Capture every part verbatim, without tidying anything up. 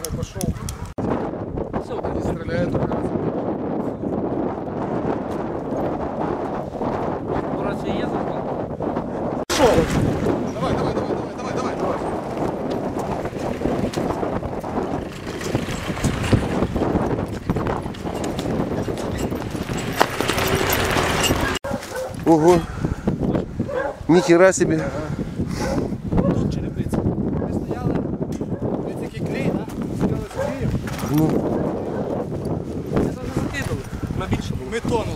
стороны пошел. Все, они стреляют. Рация есть? Пошел. Давай, давай, давай, давай, давай, давай, давай. Ого. Нихера себе. Тут черепиці. Ми стояли, ось такий клей, да? Стояли з клеєм. Ну. Це вже закидали. На більше було. Ми тонули.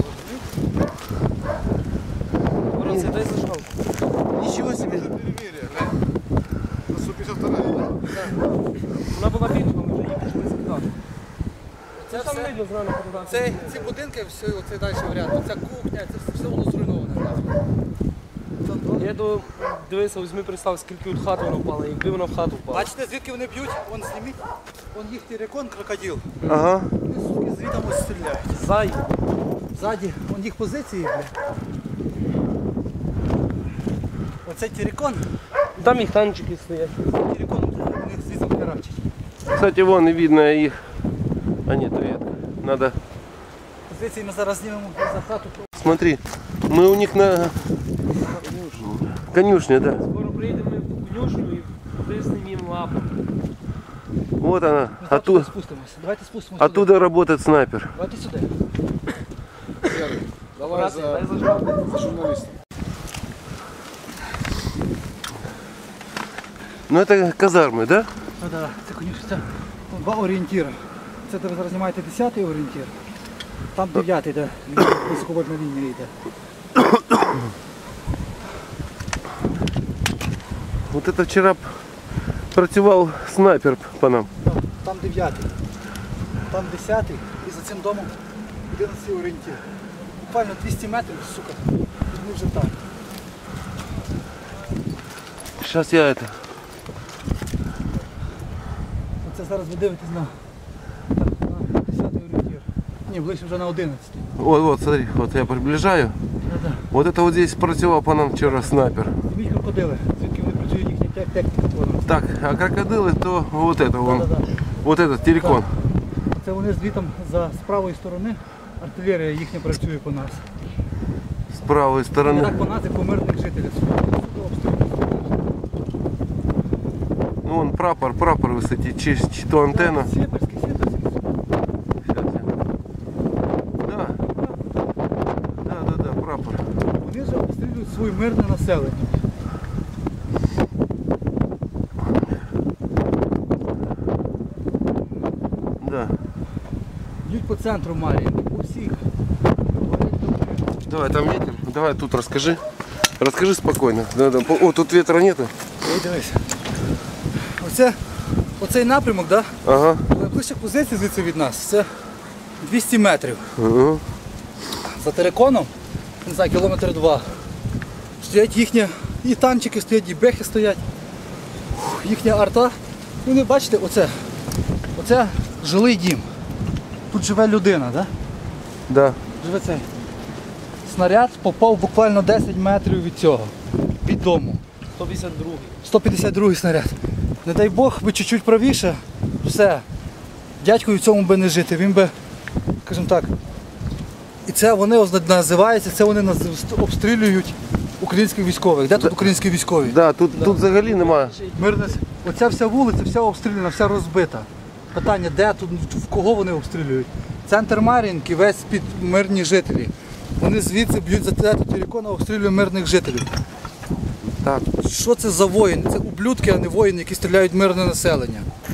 Рація, дай зажав. Ничего себе. Перемір'я, глянь. На сто п'ятдесят два, да? Вона була більша, ми вже її почали скидати. Це там видно зрано фотографії. Це, ці будинки, все, оце далі варіант, оця кухня, це все воно зруйноване. Я до дивився, візьми представ, скільки від хати вона впала, якби вона в хату впала. Бачите, звідки вони б'ють? Вон зніміть, вон їх тірекон, крокодил. Ага. Вони, суки, звідом ось стріляють. Зай. Ззаді, вон їх позиції, бля. Оцей тірекон, Там їх танчики стоять. тірекон, вони звідом херачать. Кстати, вон и видно их. А нет, ветка. Надо. Позиції ми зараз знімемо за хату. Смотри, мы у них на конюшне, да. Скоро приїдемо ми в конюшню і виснемо їм лапу. Вот она. Ми завтра Оттуда, спустимося. Давайте спустимося. оттуда работает снайпер. Давайте сюди. Давай Рація, за, дай зажав. за журналистов. Ну это казармы, да? Ну так, це конюшня, це два орієнтіри. Це де ви зараз знімаєте десятий орієнтір. Там дев'ятий, де високовольтна лінія йде. Вот это вчера працювал снайпер по нам. Там, там дев'ятий, там десятий і за цим домом одинадцятий орієнтір. Буквально двісті метрів, сука, і ми вже там. Сейчас я это. Оце зараз ви дивитесь на, на десятий орієнтір. Ні, ближче вже на одинадцятий. Вот, вот, смотри, вот я приближаю. Да-да. Вот это вот здесь працювал по нам вчера снайпер. Зніміть крокодили, звідки вони працюють їхні тек- техніка по нас. Так, а крокодилы, то вот это вон. Да-да-да. Вот этот телекон. Це вони звітом за з правої сторони, артилерія їхня працює по нас. С правой Не стороны. так по нас, як по мирних жителів. Сука, обстрілюють. Ну, вон прапор, прапор высоте, чи, чи то антенна. Сєперський, сєперський. Сейчас я. Да. Да, да, да, прапор. Вони ж обстрілюють своє мирне населення. Да. Б'ють по центру Марії, по всіх. Давай, там ветер. Давай тут расскажи. Расскажи спокойно. Да, да. О, тут ветра нету. Ой, дивись. Оце, оцей напрямок, да? Ага. Найближча позиція звідси від нас, це двісті метрів. Ага. За териконом, не знаю, кілометр два. Стоять їхні, і танчики стоять, і бехи стоять. Фух, їхня арта. Вони, бачите, оце, оце жилий дім. Тут живе людина, да? Да. Живе цей. Снаряд попав буквально десять метрів від цього, від дому. сто п'ятдесят другий. сто п'ятдесят другий снаряд. Не дай Бог, би чуть-чуть правіше, все. Дядькою в цьому би не жити, він би, скажімо так. І це вони озна- називається, це вони наз- обстрілюють українських військових. Де тут українські військові? Да, тут, тут взагалі немає. Мирне. Оця вся вулиця, вся обстріляна, вся розбита. Питання, де тут, в кого вони обстрілюють? Центр Мар'їнки, весь під мирні жителі. Вони звідси б'ють за те, телекона, обстрілюють мирних жителів. Так. Що це за воїни? Це ублюдки, а не воїни, які стріляють в мирне населення.